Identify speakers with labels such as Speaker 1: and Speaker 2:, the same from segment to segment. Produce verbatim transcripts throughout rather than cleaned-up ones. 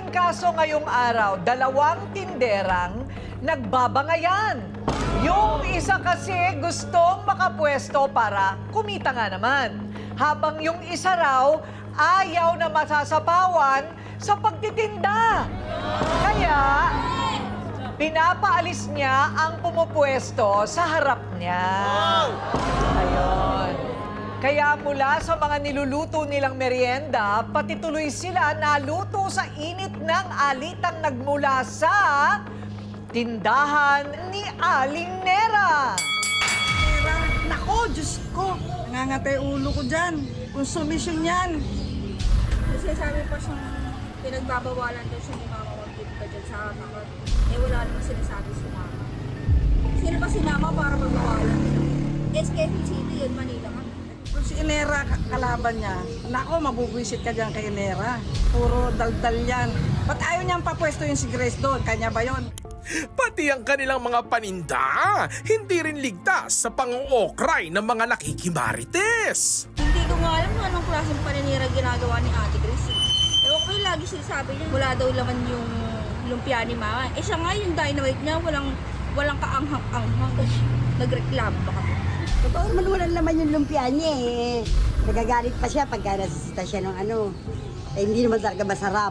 Speaker 1: Naging kaso ngayong araw, dalawang tinderang nagbabangayan. Yung isa kasi gustong makapwesto para kumita nga naman. Habang yung isa raw, ayaw na masasapawan sa pagtitinda. Kaya, pinapaalis niya ang pumupwesto sa harap niya. Ayun. Kaya mula sa mga niluluto nilang merienda, pati tuloy sila naluto sa init ng alitang nagmula sa tindahan ni Aling Nera.
Speaker 2: Pera. Nako, Diyos ko. Nangangatay ulo ko dyan. Konsumisyon yan.
Speaker 3: Kasi sabi pa siyang pinagbabawalan daw siya ni Mama mag-give ka dyan sa kakot. Eh wala naman sinasabi si Mama. Sino ba si Mama para magbawalan? S K P City yun, Manila ka.
Speaker 2: Kung si Inera kalaban niya, nako, mabubwisit ka dyan kay Inera. Puro daldal yan. Ba't ayaw niyang papwesto yung si Grace doon? Kanya ba yon?
Speaker 4: Pati ang kanilang mga paninda, hindi rin ligtas sa pang-uokray ng mga nakikimarites.
Speaker 3: Hindi ko nga alam kung anong klaseng paninira ginagawa ni Ate Grace. Eh ako yung lagi sinasabi niya, wala daw laman yung lumpia ni Mama. Eh siya nga yung dynamite niya, walang, walang kaanghang-anghang. Nagreklamo ba kami?
Speaker 5: Totoo naman walang laman yung lumpia niya eh. Nagagalit pa siya pagka nasisita siya ng ano. Eh, hindi naman talaga masarap.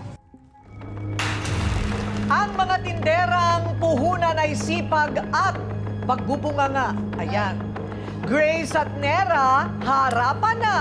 Speaker 1: Ang mga tinderang puhunan ay sipag at pagbubunganga. Ayan. Grace at Nera, harapan na.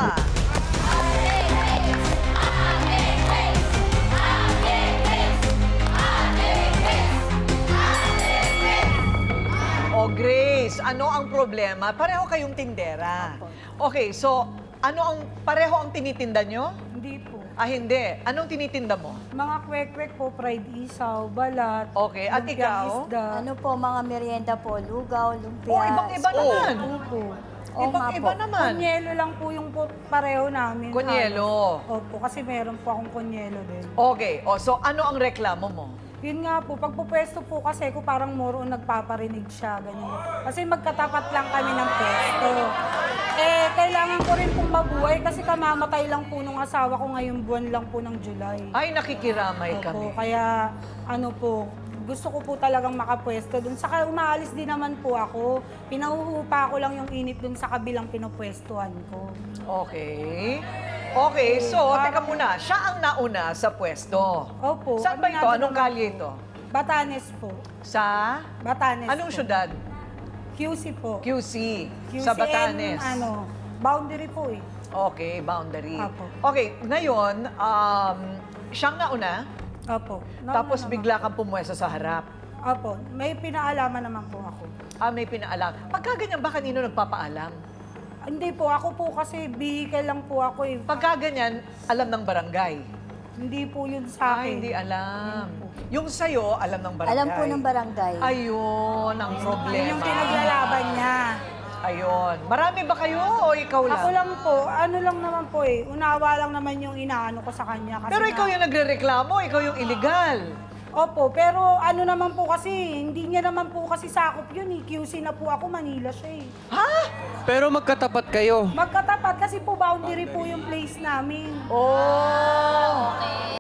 Speaker 1: O Grace, ano ang problema? Pareho kayong tindera. Okay, so ano ang pareho ang tinitinda nyo?
Speaker 6: Hindi po.
Speaker 1: Ah, hindi. Anong tinitinda mo?
Speaker 6: Mga kwek-kwek po, fried isaw, balat.
Speaker 1: Okay, at
Speaker 6: lumpia
Speaker 1: ikaw?
Speaker 6: Isda.
Speaker 7: Ano po, mga merienda po, lugaw, lumpia.
Speaker 1: Oh, ibang-iba
Speaker 7: spaghetti.
Speaker 1: naman.
Speaker 6: Opo.
Speaker 7: Oo nga
Speaker 1: Ibang-iba
Speaker 7: po.
Speaker 1: naman.
Speaker 6: Kunyelo lang po yung po, pareho namin.
Speaker 1: Kunyelo.
Speaker 6: halos. Opo, kasi meron po akong kunyelo din.
Speaker 1: Okay, o so ano ang reklamo mo?
Speaker 6: Yun nga po, pag pupwesto po kasi ko parang moro nagpaparinig siya, ganyan. Kasi magkatapat lang kami ng pwesto. Eh, kailangan ko rin pong mabuhay kasi kamamatay lang po nung asawa ko ngayong buwan lang po ng July.
Speaker 1: Ay, nakikiramay
Speaker 6: Opo,
Speaker 1: kami.
Speaker 6: kaya ano po, gusto ko po talagang makapwesto dun. Saka umaalis din naman po ako. Pinahuhupa ko lang yung init dun sa kabilang pinupwestuhan ko.
Speaker 1: Okay. Okay, so, teka muna. Siya ang nauna sa pwesto.
Speaker 6: Opo.
Speaker 1: Saan ba ito?
Speaker 6: Aminado
Speaker 1: Anong
Speaker 6: naman
Speaker 1: kalye
Speaker 6: po.
Speaker 1: ito?
Speaker 6: Batanes po.
Speaker 1: Sa?
Speaker 6: Batanes
Speaker 1: Anong
Speaker 6: po.
Speaker 1: syudad?
Speaker 6: Q C po.
Speaker 1: Q C.
Speaker 6: Q C
Speaker 1: Sa Batanes.
Speaker 6: and, ano, boundary po eh.
Speaker 1: Okay, boundary.
Speaker 6: Apo.
Speaker 1: Okay, ngayon, um, siyang nauna,
Speaker 6: Opo. Nauna
Speaker 1: tapos
Speaker 6: naman.
Speaker 1: bigla kang pumwesto sa harap.
Speaker 6: Opo. May pinaalaman naman po ako.
Speaker 1: Ah, may pinaalam. Pagka ganyan ba, kanino nagpapaalam?
Speaker 6: Hindi po. Ako po kasi vehicle lang po ako eh.
Speaker 1: Pagka ganyan, alam ng barangay.
Speaker 6: Hindi po yun sa
Speaker 1: Ah,
Speaker 6: akin.
Speaker 1: hindi alam.
Speaker 6: Hindi po.
Speaker 1: Yung sa'yo, alam ng barangay.
Speaker 7: Alam po ng barangay.
Speaker 1: Ayun, ang
Speaker 6: Yun
Speaker 1: problema.
Speaker 6: yung pinaglalaban niya.
Speaker 1: Ayun. Marami ba kayo o ikaw lang?
Speaker 6: Ako lang po. Ano lang naman po eh. Unawa lang naman yung inaano ko sa kanya. Kasi
Speaker 1: Pero
Speaker 6: nga-
Speaker 1: ikaw yung nagre-reklamo, ikaw yung illegal.
Speaker 6: Opo, pero ano naman po kasi, hindi niya naman po kasi sakop yun eh. Q C na po ako, Manila siya eh.
Speaker 1: Ha?
Speaker 8: Pero magkatapat kayo.
Speaker 6: Magkatapat kasi po boundary po yung place namin.
Speaker 1: Oh!